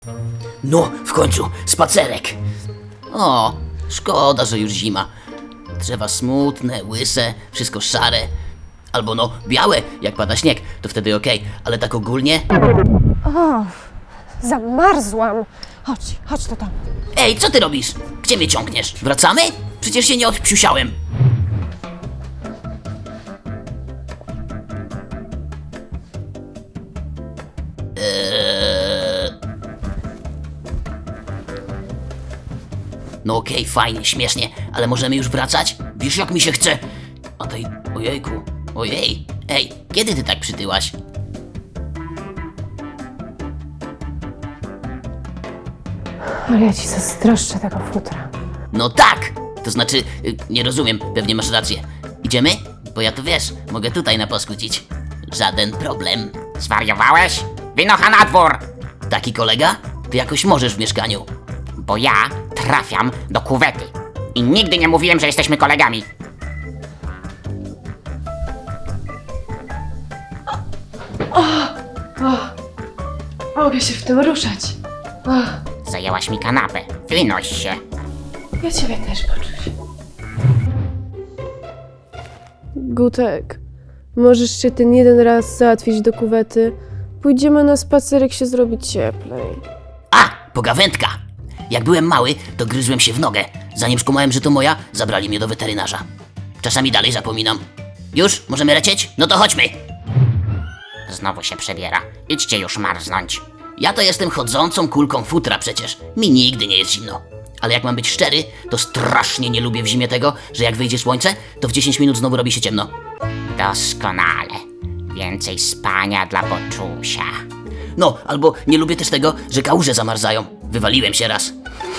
No, w końcu, spacerek. O, szkoda, że już zima. Drzewa smutne, łyse, wszystko szare. Albo no, białe, jak pada śnieg, to wtedy okej, ale tak ogólnie... O, zamarzłam. Chodź to tam. Ej, co ty robisz? Gdzie mnie ciągniesz? Wracamy? Przecież się nie odpsiusiałem. No okej, fajnie, śmiesznie, ale możemy już wracać? Wiesz jak mi się chce? A tej... ojejku, ojej. Ej, kiedy ty tak przytyłaś? Ale ja ci zazdroszczę tego futra. No tak! To znaczy, nie rozumiem, pewnie masz rację. Idziemy? Bo ja to wiesz, mogę tutaj naposkucić. Żaden problem. Zwariowałeś? Wynocha na dwór! Taki kolega? Ty jakoś możesz w mieszkaniu. Bo ja trafiam do kuwety. I nigdy nie mówiłem, że jesteśmy kolegami. Mogę się w tym ruszać. Zajęłaś mi kanapę. Wynoś się. Ja ciebie też poczuć. Gutek, możesz się ten jeden raz załatwić do kuwety? Pójdziemy na spacerek się zrobić cieplej. A! Pogawędka! Jak byłem mały, to gryzłem się w nogę. Zanim skumałem, że to moja, zabrali mnie do weterynarza. Czasami dalej zapominam. Już? Możemy lecieć? No to chodźmy! Znowu się przebiera. Idźcie już marznąć. Ja to jestem chodzącą kulką futra przecież. Mi nigdy nie jest zimno. Ale jak mam być szczery, to strasznie nie lubię w zimie tego, że jak wyjdzie słońce, to w 10 minut znowu robi się ciemno. Doskonale. Więcej spania dla Boczusia. No, albo nie lubię też tego, że kałuże zamarzają. Wywaliłem się raz.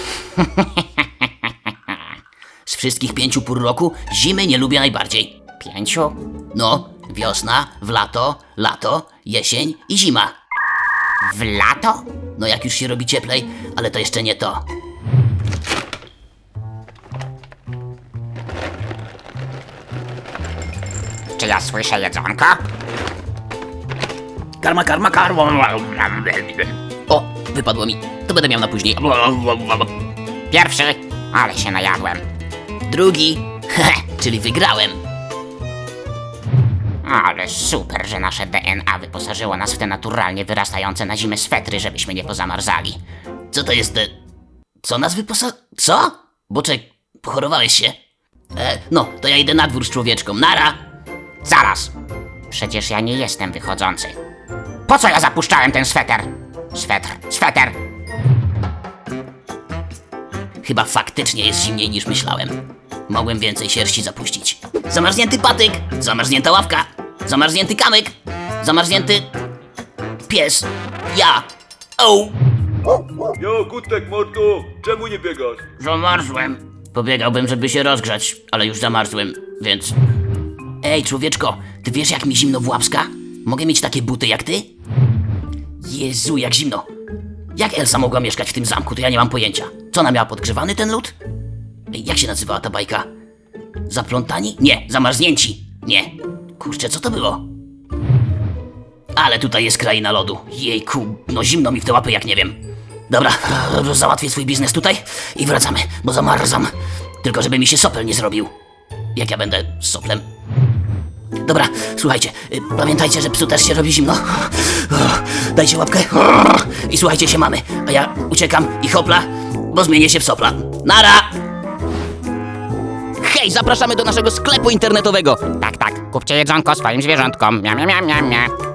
Z wszystkich 5 pór roku zimy nie lubię najbardziej. 5? No, wiosna, w lato, jesień i zima. W lato? No jak już się robi cieplej, ale to jeszcze nie to. Czy ja słyszę jedzonko? Karma, karma, karma. O, wypadło mi. To będę miał na później. Pierwszy, ale się najadłem. Drugi. Czyli wygrałem. Ale super, że nasze DNA wyposażyło nas w te naturalnie wyrastające na zimę swetry, żebyśmy nie pozamarzali. Co to jest te... Co nas Co? Boczek, pochorowałeś się? No, to ja idę na dwór z człowieczką. Nara! Zaraz! Przecież ja nie jestem wychodzący. Po co ja zapuszczałem ten sweter? Sweter! Chyba faktycznie jest zimniej niż myślałem. Mogłem więcej sierści zapuścić. Zamarznięty patyk! Zamarznięta ławka! Zamarznięty kamyk! Zamarznięty... pies! Ja! O! Jo, Gutek, mordo, czemu nie biegasz? Zamarzłem. Pobiegałbym, żeby się rozgrzać, ale już zamarzłem, więc... Ej, człowieczko, ty wiesz jak mi zimno w łapska? Mogę mieć takie buty jak ty? Jezu, jak zimno. Jak Elsa mogła mieszkać w tym zamku, to ja nie mam pojęcia. Co ona miała, podgrzewany ten lód? Ej, jak się nazywała ta bajka? Zaplątani? Nie, zamarznięci. Nie. Kurczę, co to było? Ale tutaj jest kraina lodu. Jejku, no zimno mi w te łapy jak nie wiem. Dobra, załatwię swój biznes tutaj i wracamy, bo zamarzam. Tylko żeby mi się sopel nie zrobił. Jak ja będę z soplem? Dobra, słuchajcie, pamiętajcie, że psu też się robi zimno. Dajcie łapkę i słuchajcie się mamy. A ja uciekam i hopla, bo zmienię się w sopla. Nara! Hej, zapraszamy do naszego sklepu internetowego. Tak, kupcie jedzonko swoim zwierzątkom. Mia.